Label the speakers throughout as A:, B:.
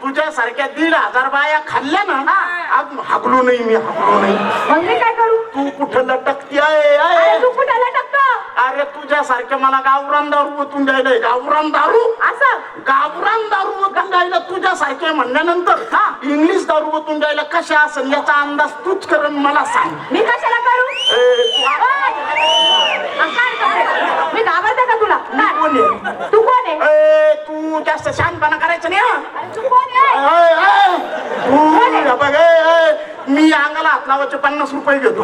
A: तुझ्या सारख्या 1,500 बाया खाल्ल्या ना आज हागलो नाही मी हागलो नाही.
B: मग मी काय करू?
A: तू कुठं लटकती
B: अरे
A: आहे?
B: तू कुठे लटकतो?
A: अरे तुझ्या सारख्या मला गावरान दारू ओतून द्यायला गावरान दारू
B: असं
A: गावरान दारू ओतून द्यायला तुझ्या सारख्या म्हणल्यानंतर इंग्लिश दारू ओतून द्यायला कशा असेल याचा अंदाज तूच करून मला सांग.
B: मी कशाला करू? मी घाबरते का तुला?
A: कोण आहे?
B: तू कोण आहे?
A: तू जास्त शांतपणा करायचं नाही.
B: अरे तू कोण आहे?
A: तू बघ मी अंगाला हात लावायचे 50 रुपये घेतो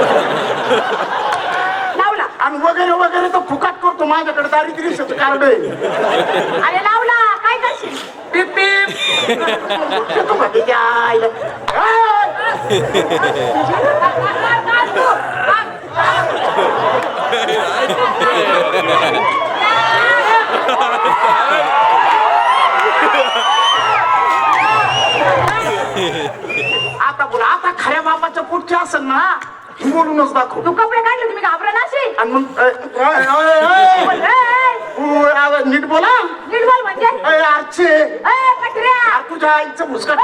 B: लावला
A: आणि वगैरे वगैरे तर फुकाट करतो. माझ्याकडे दारिद्र्य कार्ड आहे.
B: अरे लावला काय करशील?
A: पिप पिप तू कधी जायला आता बोला आता खऱ्या बापाच्या पुढच्या असेल ना बोलूनच दाखव.
B: तू कपडे काढले तुम्ही घाबरा नाशी
A: आणि मग नीट बोला.
B: नीट बोल म्हणजे
A: आरचे
B: कटऱ्या
A: तुझ्या आईचं मुस्काट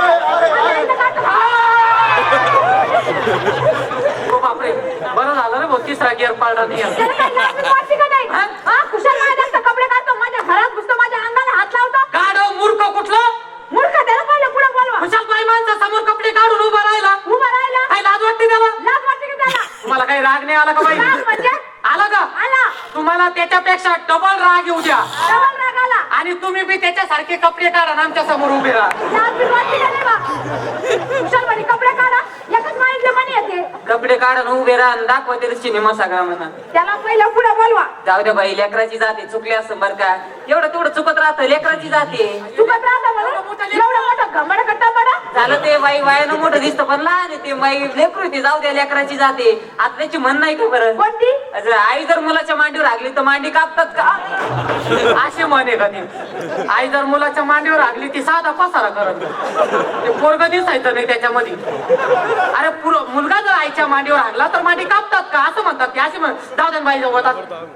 C: बापरे बरं झालं रे भाऊ, तिसरा गिअर पाळला नाही.
B: त्याला काय लाज वाटते का नाही? खुशाल माझ्या जास्त कपडे काढतो, माझ्या घरात घुसतो, माझ्या अंगाला हात लावतो.
C: गाडव मूर्ख कुठलं
B: मूर्ख त्याला पहिलं पुढे बोलवा.
C: खुशाल बाई माणसा समोर कपडे काढून उभा राहिला.
B: उभा राहिला
C: काय लाज वाटते त्याला?
B: लाज वाटते का त्याला?
C: तुम्हाला काही राग नाही आला का बाई?
B: लाज म्हणजे
C: आला का?
B: आला.
C: तुम्हाला त्याच्यापेक्षा डबल राग येऊ द्या
B: डबल राग आला.
C: आणि तुम्ही बी त्याच्यासारखे कपडे काढा आणि आमच्या समोर उभे राहा.
B: लाज बी वाटते का नाही बा? खुशाल म्हणे कपडे काढा, एकच माहिती म्हणे येते.
C: कपडे काढून उभे राहा आणि दाखवा ते सिनेमा सगळा म्हणा.
B: त्याला पहिलं पुढे बोलवा.
C: जाऊ दे बाई, लेकराची जाते चुकली असं बरं का. एवढं तेवढं चुकत राहतं, लेकराची जाते.
B: चुकत राहता म्हणून एवढं मोठं घमड करता पडा.
C: झालं ते बाई वयानं मोठं दिसतं पण लहान आहे ते बाई लेकरू आहे ते. जाऊ द्या लेकराची जाते. आता त्याची म्हण नाही का बरं?
B: कोणती?
C: आई जर मुलाच्या मांडीवर लागली तर मांडी कापतात का असे म्हणे का ती. आई जर मुलाच्या मांडीवर लागली ती साधा पसारा करत ते पोरग दिसायचं नाही त्याच्यामध्ये. अरे मुलगा जर आईच्या मांडीवर लागला तर मांडी कापतात का असं म्हणतात ते. असे म्हण जाऊ द्या बाई जाऊ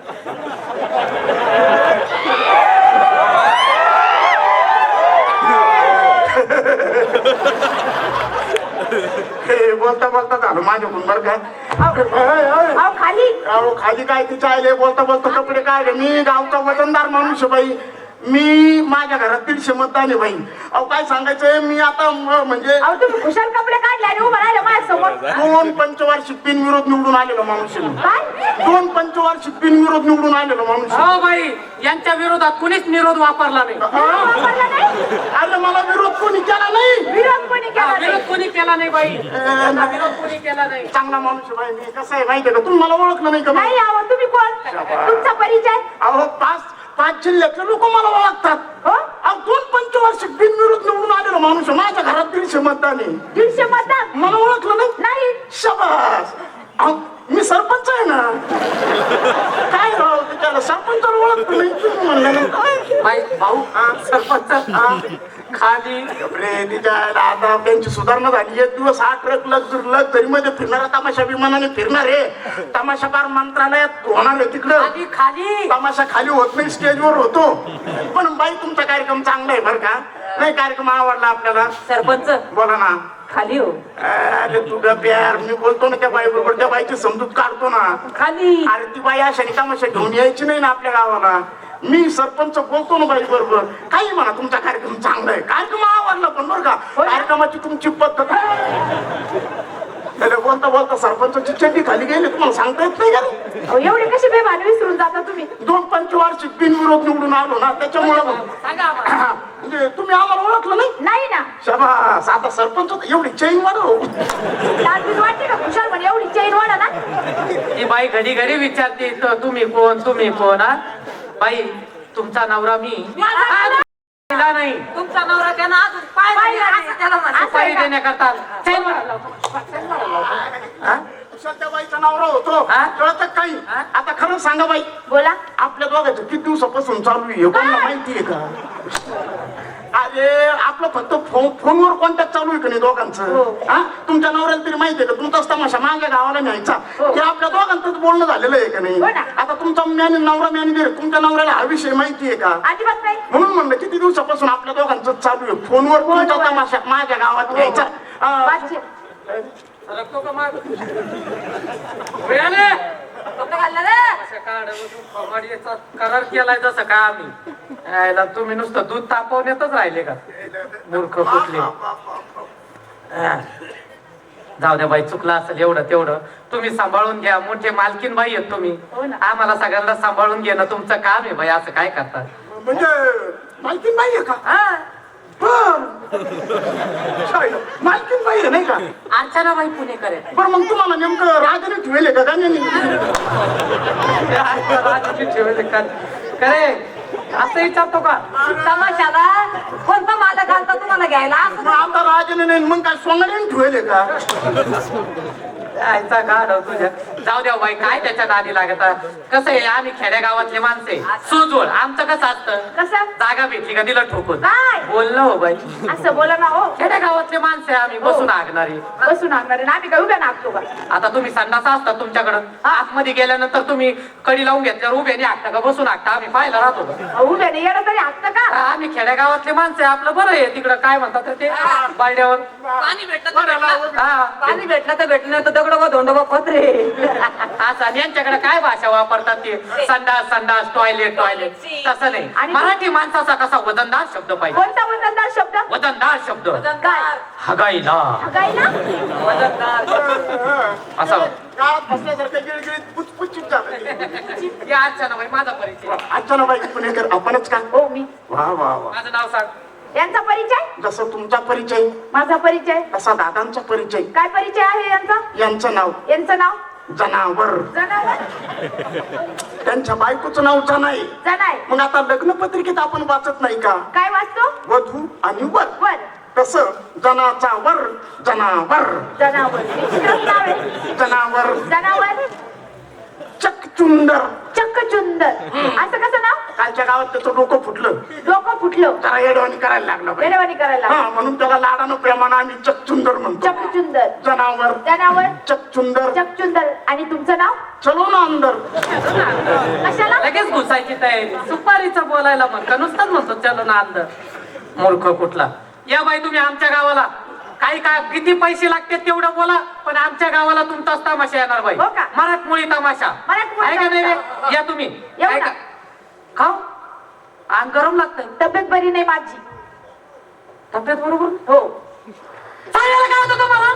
A: बोलता बोलता झालं माझ्याकडून बरं का.
B: खाली
A: खाली काय तिच्या आईले बोलता बोलता कपडे काढले. मी गावचा वजनदार माणूस आहे बाई. मी माझ्या घरात 150 मतदान आहे बाई. अहो काय सांगायचंय मी आता म्हणजे
B: तुम्ही खुशाल कपडे काढले आणि उभा राहिला माझ्या समोर.
A: 2 पंचवार्षिक बिनविरोध निवडून आलेलो माणूस आहे.
B: काय?
A: 2 पंचवार्षिक बिनविरोध निवडून आलेलो माणूस आहे.
C: हो बाई, यांच्या विरोधात कुणीच निरोध वापरला नाही.
B: वापरला नाही?
A: अरे मला विरोध कोणी केला नाही.
B: विरोध कोणी केला नाही?
C: विरोध कोणी केला नाही बाई. विरोध कोणी केला नाही.
A: चांगला माणूस आहे बाई. मी कसं आहे माहितीये का, तुम्ही मला ओळखलं नाही का?
B: नाही आहो. तुम्ही कोण? तुमचा परिचय?
A: अहो 5 जिल्ह्यातले लोक मला ओळखतात. अहो 2 पंचवार्षिक बिनविरोध निवडून आलेलो माणूस आहे. माझ्या घरात 150 मतदान आहे.
B: 150 मतदान?
A: मला ओळखलं नाही?
B: नाही.
A: शाबास. अहो मी सरपंच आहे ना. काय राव त्याला सरपंचाला ओळखतो नाही तुम्ही म्हणलं
C: बाई भाऊ सरपंच खाली
A: रे तिच्या आता त्यांची सुधारणा झाली. एक दिवस 8 ट्रक लक्झरी मध्ये फिरणारा तमाशा विमानाने फिरणार आहे. तमाशाकार मंत्रालयात होणार आहे तिकडं.
C: खाली खाली
A: तमाशा खाली होत नाही, स्टेजवर होतो. पण बाई तुमचा कार्यक्रम चांगला आहे बरं का. नाही कार्यक्रम आवडला आपल्याला.
C: सरपंच
A: बोला ना.
C: खाली हो.
A: अरे तुझा प्यार मी बोलतो ना त्या बाई बरोबर. त्या बाईची समजूत काढतो ना.
C: खाली
A: अरे ती बाई अशाने तमाशा घेऊन यायची नाही ना आपल्या गावाला. मी सरपंच बोलतो ना बाई बरोबर. काही म्हणा तुमचा कार्यक्रम चांगला आहे. कार्यक्रम आवडला पण बरं का. कार्यक्रमाची तुमची पद्धत बोलता बोलता सरपंचाची चड्डी खाली गेली तुम्हाला सांगता येत नाही का?
B: एवढी कशी बेभान विसरून जाता तुम्ही?
A: 2 पंचवार्षिक बिनविरोध निवडून आलो ना त्याच्यामुळे म्हणजे तुम्ही आम्हाला ओळखलं नाही.
B: नाही ना.
A: शाबास. आता सरपंच एवढी चैन वाढव.
B: लाज वाटते का? खुशाल म्हणे एवढी चैन वाढा ना.
C: ती बाई घडी घडी विचारते तुम्ही कोण तुम्ही कोण. हा बाई तुमचा नवरा मी नाही. तुमचा नवरा त्यांना अजून पाय देण्याकरता
A: त्या बाईचा नवरा होतो कळत काही. आता खरं सांगा बाई.
B: बोला.
A: आपल्या दोघांचं किती दिवसापासून चालू आहे कोणाला माहितीये का? ते आपलं फक्त फोनवर कॉन्टॅक्ट चालू आहे का नाही
B: हो.
A: दोघांचं हा तुमच्या नवऱ्याला तरी माहितीये का तुमचाच तमाशा माझ्या गावाला न्यायचा
B: हो.
A: हे आपल्या दोघांचंच बोलणं झालेलं आहे का नाही
B: हो ना.
A: आता तुमचा नवरा मॅनेजर तुमच्या नवऱ्याला हा विषय माहितीये का
B: अजिबात नाही.
A: म्हणून म्हणलं किती दिवसापासून आपल्या दोघांचं चालू आहे फोनवर तुमचा तमाशा माझ्या गावात न्यायचा
B: बातचीत.
C: सरकतो का मग? वेळाने.
B: कपडे घालणार रे.
C: अशा काढावरून फवाडीचा करार केलाय जसं का आम्ही यायला तुम्ही नुसतं दूध तापवण्यातच राहिले का मूर्ख कुठले जाऊ द्या बाई चुकलं असेल एवढं तेवढं तुम्ही सांभाळून घ्या मोठे मालकीन बाई आहेत तुम्ही
B: हो ना.
C: आम्हाला सगळ्यांना सांभाळून घेणं तुमचं काम आहे बाई असं काय करता
A: म्हणजे मालकीन बाई आहे का
C: हा
A: मालकीन बाई आहे नाही का
C: अर्चना बाई पुणेकर आहे
A: बरं मग तुम्हाला नेमकं राजाने ठेवले का गाण्याने
C: करे असं विचारतो का
B: तमाशाला कोणता मालक घालता तुम्हाला घ्यायला असं
A: मग आता राजाने नाही मग काय सोंगाने ठेवले का
C: यायचा गाड तुझ्या जाऊ द्या बाई काय त्याच्या नादी लागत कसं आहे आम्ही खेड्यागावातले माणसे सुजवळ आमचं कसं असतं
B: कसं
C: जागा भेटली का दिलं ठोकून
B: काय
C: बोललो हो बाई
B: असं बोला ना हो
C: खेड्यागावातले माणसे आम्ही बसून आगणारी
B: बसून आणणार आहे ना आम्ही काय उभ्या नागतो का
C: आता तुम्ही संडास असता तुमच्याकडं आतमध्ये गेल्यानंतर तुम्ही कडी लावून घेतल्यावर उभ्याने हाकता का बसून हाकता आम्ही पाहायला राहतो का?
B: उभ्याने येणं तरी हात का
C: आम्ही खेड्यागावातले माणसे आपलं बरं आहे तिकडं काय म्हणतात ते बालड्यावर
B: पाणी भेटलं तर भेटलं.
C: हा
B: पाणी भेटलं तर भेटलं नाही तर दगड धोंड पत्रे
C: असं आणि यांच्याकडे काय भाषा वापरतात ते संडास संडास टॉयलेट टॉयलेट तसं नाही
B: आणि
C: मराठी माणसाचा कसा वजनदार शब्द पाहिजे
B: कोणता वजनदार शब्द
C: वजनदार शब्द
B: काय
C: हगाईला
B: काय ना
C: असं
A: गावात बसल्यासारखं गिळगिळीत पुचपुचित झालं
C: या अर्चना बाई माझा परिचय
A: अचानक बाई पुणेकर आपणच का
B: हो मी
A: वा वा वा
C: माझं नाव सांग
B: यांचा परिचय
A: जसं तुमचा परिचय
B: माझा परिचय
A: तसा दादांचा परिचय
B: काय परिचय आहे यांचा
A: यांचं नाव
B: यांचं नाव
A: जनावर
B: जनावर
A: त्यांच्या बायकोचं नाव जनाई
B: जनाय
A: मग आता लग्न पत्रिकेत आपण वाचत नाही का
B: काय वाचतो
A: वधू आणि वर
B: वर
A: तसं जनाचा वर जनावर
B: जनावर विचित्रच नाव आहे
A: जनावर
B: जनावर
A: चकचुंदर
B: चक्कचुंदर असं कसं नाव
A: कालच्या गावात त्याचं डोकं फुटलं
B: डोकं फुटलं
A: जरा येडवाणी करायला लागला बाई.
B: वेडवाणी करायला
A: हा म्हणून त्याला लाडानं प्रेमानं आम्ही चकचुंदर म्हणतो
B: चक्कचुंदर
A: जनावर
B: जनावर
A: चकचुंदर
B: चकचुंदर आणि तुमचं नाव
A: चलो ना अंदर
B: कशाला
C: लगेच घुसायची तयारी सुपारीचं बोलायला म्हणतो नुसतंच म्हणतो चलो ना अंदर मूर्ख कुठला या बाई तुम्ही आमच्या गावाला काही काय किती पैसे लागते तेवढं बोला पण आमच्या गावाला तुमचाच तमाशा येणार बाई
B: हो का?
C: मराठमोळी तमाशा
B: मराठमोळी
C: आहे का नाही रे?
B: तमाशा.
C: या तुम्ही
B: येऊ
C: आहे
B: ना.
C: का? खाऊ अंग गरम लागतंय
B: तब्येत बरी नाही माझी
C: तब्येत बरोबर
B: हो
C: सांगायला काय होतं तुम्हाला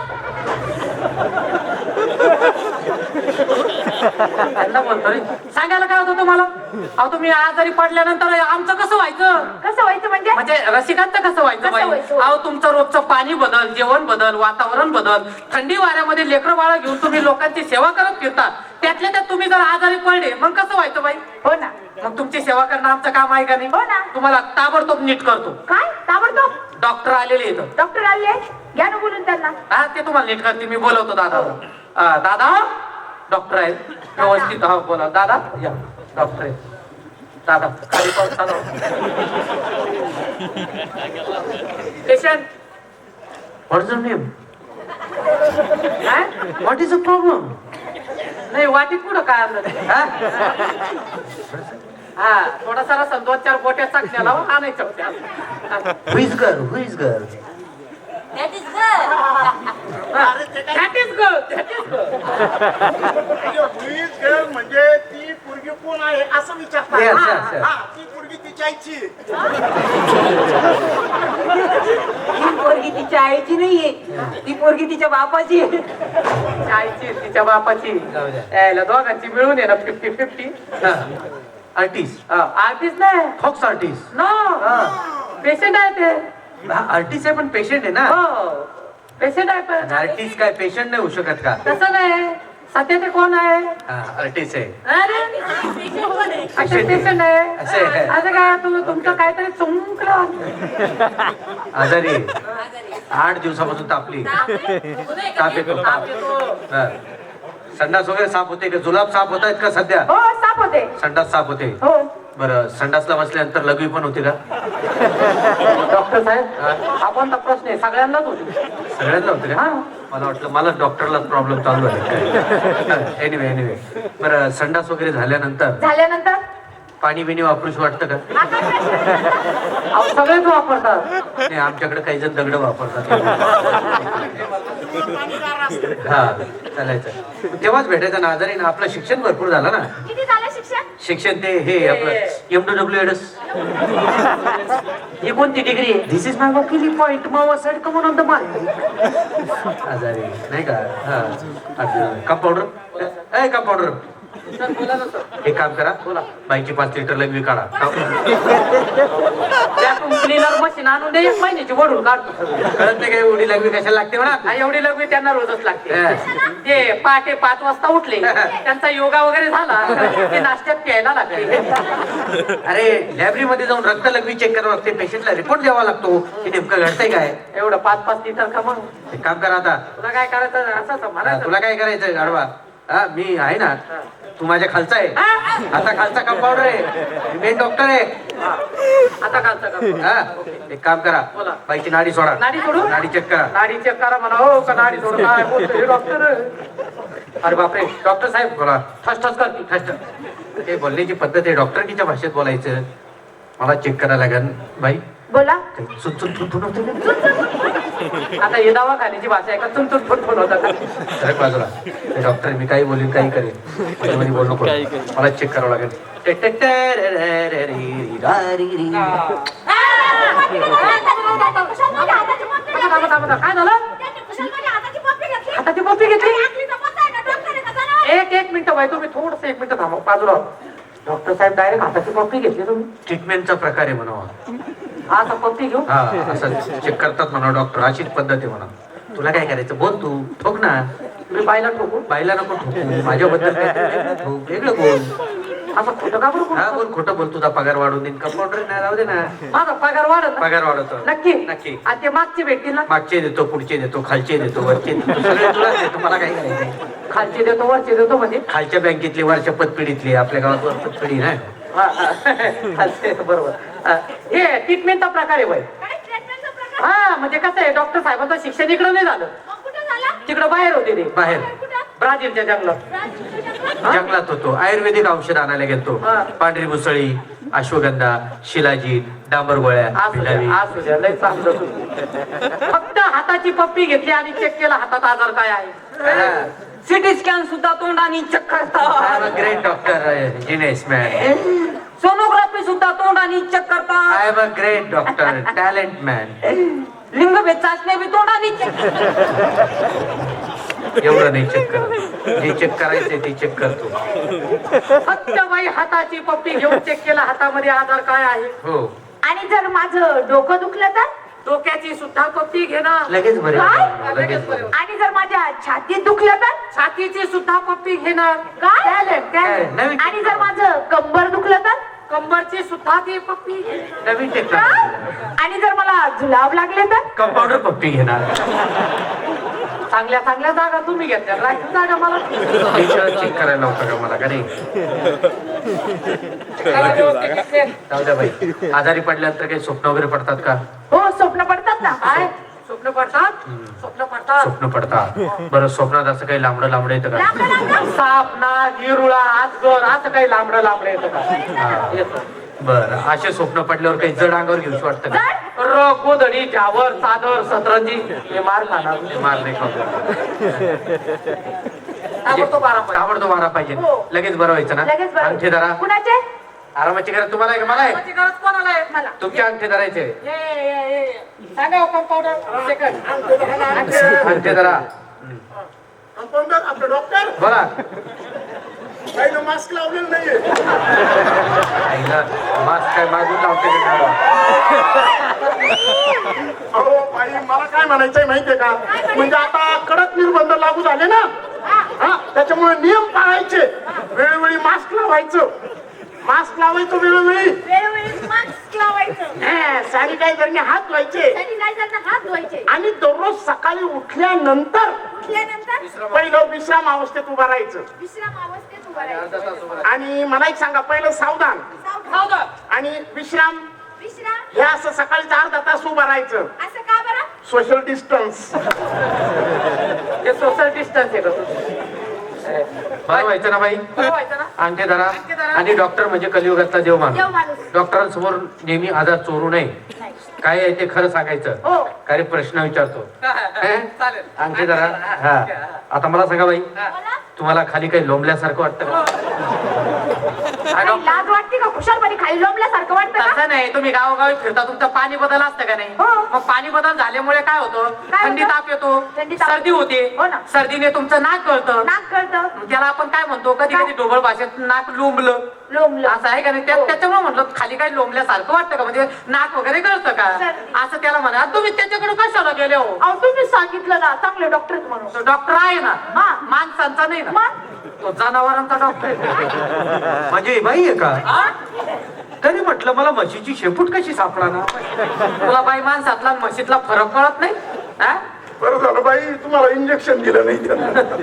C: त्यांना बोलतो रे सांगायला काय होतं तुम्हाला अहो तुम्ही आजारी पडल्यानंतर आमचं कसं व्हायचं
B: कसं व्हायचं म्हणजे
C: म्हणजे रसिकांचं कसं व्हायचं
B: कसं
C: बाई
B: व्हायचं?
C: अहो तुमचं रोजचं पाणी बदल जेवण बदल वातावरण बदल थंडी वाऱ्यामध्ये लेकरं बाळा घेऊन तुम्ही लोकांची सेवा करत फिरता त्यातल्या त्यात तुम्ही जर आजारी पडले मग कसं व्हायचं बाई
B: हो ना
C: मग तुमची सेवा करणं आमचं काम आहे का नाही
B: हो ना.
C: तुम्हाला ताबडतोब नीट करतो
B: काय ताबडतोब
C: डॉक्टर आलेले इथं
B: डॉक्टर आले घ्या ना बोलून त्यांना
C: हा ते तुम्हाला नीट करते मी बोलवतो दादा दादा डॉक्टर आहेत व्यवस्थित हा बोला दादा या डॉक्टर आहेत दादा खाली पाऊस चालू patient what is name what is a problem नाही वाटीत पुढं काय आणलं हा थोडासा रसन 2-4 बोट्या चाकण्याला आणायचं
D: Who is girl? Who is girl?
C: That is good.
A: म्हणजे ती पोरगी कोण आहे असं विचारतात
D: Yes,
A: हा,
D: yes, yes.
A: हा, ती पोरगी तिची आईची आहे.
B: ही पोरगी तिच्या आईची नाहीये ती पोरगी तिच्या बापाची आहे.
C: आईची तिच्या बापाची
D: जाऊ द्या.
C: यायला दोघांची मिळून आहे ना 50-50
D: Artist.
C: आर्टिस्ट नाही
D: Fox artist.
C: नो पेशंट आहे ते
D: आर्टिस्ट आहे पण पेशंट आहे ना
C: हो पेशंट आहे पण
D: आर्टिस्ट काय पेशंट नाही होऊ शकत का
C: तसं नाही सध्या ते कोण आहे
D: आर्टिस्ट आहे
C: अरे पेशंट आहे
D: असं आहे.
C: असं काय तुमचं काहीतरी चुंकलं
D: आजारी आहे. 8 दिवसापासून तापली ताप येतो ताप. हा. संडास वगैरे साफ होते का जुलाब साफ होत आहेत का सध्या
B: हो साप होते
D: संडास साफ होते
B: हो
D: बरं संडासला बसल्यानंतर लघवी पण होते का?
C: डॉक्टर साहेब हा कोणता प्रश्न आहे? सगळ्यांनाच होतो.
D: सगळ्यांना होते का? मला वाटलं मला डॉक्टरलाच प्रॉब्लेम चालू आहे. एनिवे बरं संडास वगैरे झाल्यानंतर
B: झाल्यानंतर
D: पाणी बिणी वापरूशी वाटतं का?
B: आता प्रश्न.
C: अहो सगळेच वापरतात.
D: नाही आमच्याकडे काही जण दगड वापरतात. हा चालायचं तेव्हाच भेटायचं ना. आजारी ना आपलं शिक्षण भरपूर झालं ना.
B: किती झालं शिक्षण?
D: शिक्षण ते हे आपलं MWS.
C: ही कोणती डिग्री आहे?
D: दिस इज माय वकिली पॉइंट मावा side come on the my. आजारी नाही का? हा कंपाऊंडर कंपाऊंडर
C: सर बोला ना सर.
D: एक काम करा बोला बाईची 5 लिटर लघवी काढा.
C: त्यातून क्लीनर मशीन आणून दे 1 महिन्याची वडून काढतो.
D: कळत नाही काय एवढी लघवी कशाला लागते म्हणा.
C: हा, एवढी लग्न त्यांना रोजच लागते.
D: हा.
C: ते पहाटे 5 वाजता उठले त्यांचा योगा वगैरे झाला ते नाश्त्यात प्यायला लागले.
D: अरे लॅबरेटरीमध्ये जाऊन रक्त लघवी चेक करावं लागते. पेशंटला रिपोर्ट द्यावा लागतो की नेमकं घडतंय काय.
C: एवढं 5-5 लिटर का मग?
D: एक काम करा आता
C: तुला काय करायचं असं
D: हा,
C: म्हणायचं.
D: तुला काय करायचंय गाडवा. हा मी आहे ना. तू माझ्या खालचा आहे. आता खालचा कंपाऊंडर आहे. मेन डॉक्टर आहे.
C: आता कालचं का?
D: हा एक काम करा
C: बोला.
D: बाईची नाडी सोडा.
C: नाडी सोडू?
D: नाडी चेक करा.
C: नाडी चेक करा म्हणा. हो का नाडी सोड काय बोलतो हे डॉक्टर? अरे बापरे डॉक्टर साहेब
D: बोला.
C: ठस ठस करते.
D: फस्ट ते बोलण्याची पद्धत आहे डॉक्टरकीच्या भाषेत बोलायचं. मला चेक करायला लागेल बाई.
B: बोला.
D: सुन होते का?
C: आता हे दवाखान्याची भाषा आहे का? तुमचं फुटफुट होतात.
D: अरे बाजूला ते डॉक्टर मी काही बोलीन काही करेन. मध्ये बोलू नको. मला चेक करावं लागेल.
B: कुशाल माझ्या हाताची पप्पी घेतली.
C: काय झालं?
B: त्यांनी कुशाल माझ्या हाताची पप्पी घेतली.
C: हाताची पप्पी घेतली?
B: आणि आखलीचा पत्ता आहे का? डॉक्टर आहे का? जनावर?
C: एक मिनिट बाई तुम्ही थोडस 1 मिनिट थांबा बाजूला. डॉक्टर साहेब डायरेक्ट हाताची पप्पी घेतली तुम्ही?
D: ट्रीटमेंटचा प्रकार आहे म्हणावा.
C: हा आता पप्पी घेऊ.
D: हा असं चेक करतात म्हणा डॉक्टर. अशीच पद्धत आहे म्हणा. तुला काय करायचं बोल तू. ठोक ना.
C: मी बाईला ठोकू?
D: बाईला नको ठोकू. माझ्याबद्दल काहीतरी वेगळं ठोक. वेगळं बोल.
C: असं खोटं का बरं
D: हा
C: बोलतो?
D: बोल खोटं बोल. तुझा पगार वाढवून देईन. कंपाऊंडर नाही राहू दे ना.
C: माझा पगार वाढत ना?
D: पगार वाढवतो.
C: नक्की
D: नक्की.
C: आणि ते मागचे भेटतील ना?
D: मागचे देतो पुढचे देतो खालचे देतो वरचे देतो सगळे तुलाच देतो. मला काय करायचंय.
C: खालचे देतो वरचे देतो म्हणजे?
D: खालच्या बँकेतली वरच्या पतपिढीतली आपल्या गावात वर पतपिढी ना.
C: हा, हा. खालचे देतो बरोबर. हा, हे ट्रीटमेंटचा प्रकार आहे बाई.
B: काय ट्रीटमेंटचा प्रकार?
C: हा म्हणजे कसं आहे डॉक्टर साहेबांचं शिक्षण इकडं नाही झालं.
B: मग कुठं झाला?
C: तिकडं बाहेर होते ते
D: बाहेर
B: कुठं?
C: ब्राझीलच्या जंगलात.
B: राजकीय जंगलात?
D: जंगलात होतो. आयुर्वेदिक औषध आणायला गेलतो.
C: हा.
D: पांढरी मुसळी अश्वगंधा शिलाजीत डांबर गोळ्या
C: असू द्या,
D: भिलावी.
C: असू द्या, लय चांगलं तुम्ही. फक्त हाताची पप्पी घेतली आणि चेक केला हातात आजार काय आहे. सिटी स्कॅन सुद्धा तोंडाने चेक करतात.
D: Great doctor genius man.
C: Sonography सुद्धा तोंडाने चेक करतात.
D: I am a great doctor talent man.
C: लिंगभेद चाचण्या बी तोंडाने check
D: एवढं नाही चेक करत. जे चेक करायचंय ते चेक करतो.
C: फक्त बाई हाताची पप्पी घेऊन चेक केला हातामध्ये आजार काय आहे.
D: हो
B: आणि जर माझं डोकं दुखलं तर?
C: डोक्याची सुद्धा पप्पी घेणार.
D: लगेच बरे
B: काय?
D: लगेच बरे.
B: आणि जर माझ्या छातीत दुखलं तर?
C: छातीची सुद्धा पप्पी घेणार.
B: काय?
C: Talent, talent.
D: नवीन
B: आणि जर माझं कंबर दुखलं तर?
C: कंबरची सुद्धा ती पप्पी घेणार.
D: नवीन
B: काय?
D: टेक्नॉलॉजी.
B: आणि जर मला जुलाब लागले तर?
D: कंपाऊंडर पप्पी घेणार.
C: चांगल्या चांगल्या जागा तुम्ही घेतल्या राखीव जागा मला.
D: चेक करायला होतं का मला का नाही. जाऊ द्या बाई. आजारी पडल्यानंतर काही स्वप्न वगैरे पडतात का.
B: हो स्वप्न पडतात ना.
C: काय स्वप्न पडतात? स्वप्न पडतात.
D: स्वप्न पडतात. बरं स्वप्नात असं काही लांबडं लांबडं येतं का.
B: लांबडं लांबडं?
C: साप नाग हिरुळा आजगर असं काही लांबडं लांबडं येतं का.
D: हा.
C: येतं.
D: बरं असे स्वप्न पडल्यावर काही जड अंगावर घेऊशी वाटतं का.
B: जड?
C: रग गोधडी झावर चादर सतरंजी हे मार खाणार.
D: मार नाही खाऊ.
C: ताबडतोब आराम पाहिजे.
D: ताबडतोब मारा पाहिजे.
B: हो.
D: लगेच बरं व्हायचं ना.
B: लगेच बरं.
D: अंगठी धरा.
B: कुणाचे?
D: आरामाची गरज तुम्हाला आहे का मला आहे.
C: आरामाची गरज कोणाला आहे?
B: मला.
D: तुमच्या अंगठी धरायचे.
C: सांगा कंपाऊंडर सेकंड.
D: अंगठी धरा.
A: कंपाऊंडर आपले डॉक्टर
D: बोला.
A: काही मास्क लावलेलं नाहीये.
D: आईला मास्क काय मागून लावते का गाडवा?
A: अहो बाई मला काय म्हणायचंय माहितीये का. म्हणजे आता कडक निर्बंध लागू झाले ना. हा त्याच्यामुळे नियम पाळायचे. वेळोवेळी मास्क लावायचं. मास्क लावायचं वेळोवेळी.
B: वेळोवेळी मास्क लावायचं.
A: सॅनिटायझरने हात धुवायचे.
B: सॅनिटायझरने हात धुवायचे.
A: आणि दररोज सकाळी उठल्यानंतर
B: उठल्यानंतर
A: पहिलं विश्राम अवस्थेत उभं राहायचं.
B: विश्राम अवस्थेत
C: अर्धा तास उभं
A: आणि मला एक सांगा, पहिलं सावधान
C: राहा.
A: आणि विश्राम.
B: विश्राम
A: हे असं सकाळीच अर्धा तास उभं राहायचं.
B: असं का बरं?
A: Social distance.
C: हे सोशल डिस्टन्स आहे का तुझं?
D: बरं व्हायचं ना बाई?
C: बरं व्हायचं ना?
D: अंगठे धरा.
C: अंगठे धरा.
D: आणि डॉक्टर म्हणजे कलियुगातला देव
B: देव
D: माणूस.
B: माणूस.
D: डॉक्टरांसमोर नेहमी आजार चोरू नये.
B: नाही.
D: काय आहे ते खरं सांगायचं.
B: हो.
D: काय प्रश्न विचारतो.
C: चालेल.
D: अंगठे धरा. हा, आता मला सांगा बाई,
B: मला
D: तुम्हाला खाली काही लोंबल्यासारखं वाटतं का?
B: काही लाज वाटते का? खुशालपणे खाली लोंबल्यासारखं वाटतं का?
C: तसं नाही, तुम्ही गावोगावी फिरता, तुमचं पाणी बदल असतं का नाही?
B: हो.
C: मग पाणी बदल झाल्यामुळे काय होतं?
B: काय
C: थंडी
B: होतं?
C: ताप येतो,
B: थंडी ताप.
C: सर्दी होते.
B: हो ना.
C: सर्दीने तुमचं नाक गळतं.
B: नाक कळतं.
C: त्याला आपण काय म्हणतो, कधी कधी ढोबळ भाषेत नाक लोंबलं
B: लोंबलं.
C: असं आहे का नाही? त्याच्यामुळे म्हटलं खाली काही लोंबल्यासारखं वाटतं का? म्हणजे नाक वगैरे गळतं का?
B: सर्दी.
C: असं त्याला म्हणा. तुम्ही त्याच्याकडे कशाला गेले हो?
B: अहो तुम्हीच सांगितलं ना चांगले डॉक्टर आहेत म्हणून.
C: तो डॉक्टर आहे ना,
B: हा.
C: माणसांचा नाही ना,
B: मग?
C: तो जनावरांचा डॉक्टर आहे.
D: म्हणजे ही बाई आहे का?
C: हा?
D: तरी म्हटलं मला म्हशीची शेपूट कशी सापडा.
C: तुला बाई माणसातला आणि म्हशीतला फरक कळत नाही? हा?
A: बरं झालं बाई, तुम्हाला इंजेक्शन दिलं नाही त्यानं.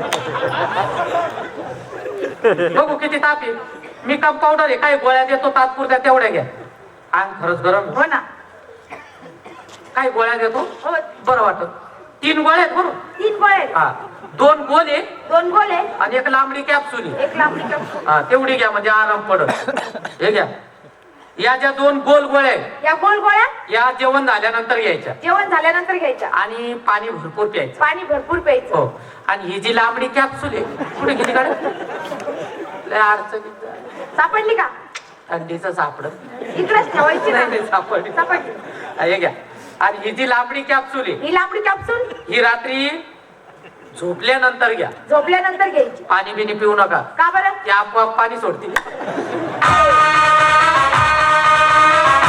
C: बघू किती ताप आहे. मी कंपाऊंडर आहे, काही गोळ्या देतो तात्पुरत्या, तेवढ्या घ्या.
D: अंग खरंच गरम.
B: हो ना.
C: काही गोळ्या देतो,
B: हो.
C: बरं वाटत. 3 गोळ्या आहेत बरं.
B: 3 गोळे आहेत.
C: हा, 2 गोळे
B: 2 गोळे
C: आणि 1 लांबडी कॅप्सूल आहे.
B: 1 लांबडी कॅप्सूल.
C: हा, तेवढी घ्या म्हणजे आराम पडत. हे घ्या. या ज्या 2 गोल गोळ्या आहेत,
B: या गोल गोळ्या
C: या जेवण झाल्यानंतर घ्यायच्या
B: जेवण झाल्यानंतर घ्यायच्या.
C: आणि पाणी भरपूर प्यायचं.
B: पाणी भरपूर प्यायचं.
C: हो. आणि ही जी लांबडी कॅप्सूल आहे, कुठे किती काढ लय अडचणीत झाली.
B: सापडली का?
C: थंडीचं सापडत
B: इकडेच ठेवायची ना.
C: नाही, सापडली.
B: सापडली.
C: हा, हे घ्या. आणि ही जी लांबडी कॅप्सूल आहे,
B: ही लांबडी कॅप्सूल
C: ही रात्री झोपल्यानंतर घ्या.
B: झोपल्यानंतर घ्यायची.
C: पाणी बिनी पिऊ नका,
B: का बरं?
C: ते आपोआप पाणी सोडतील.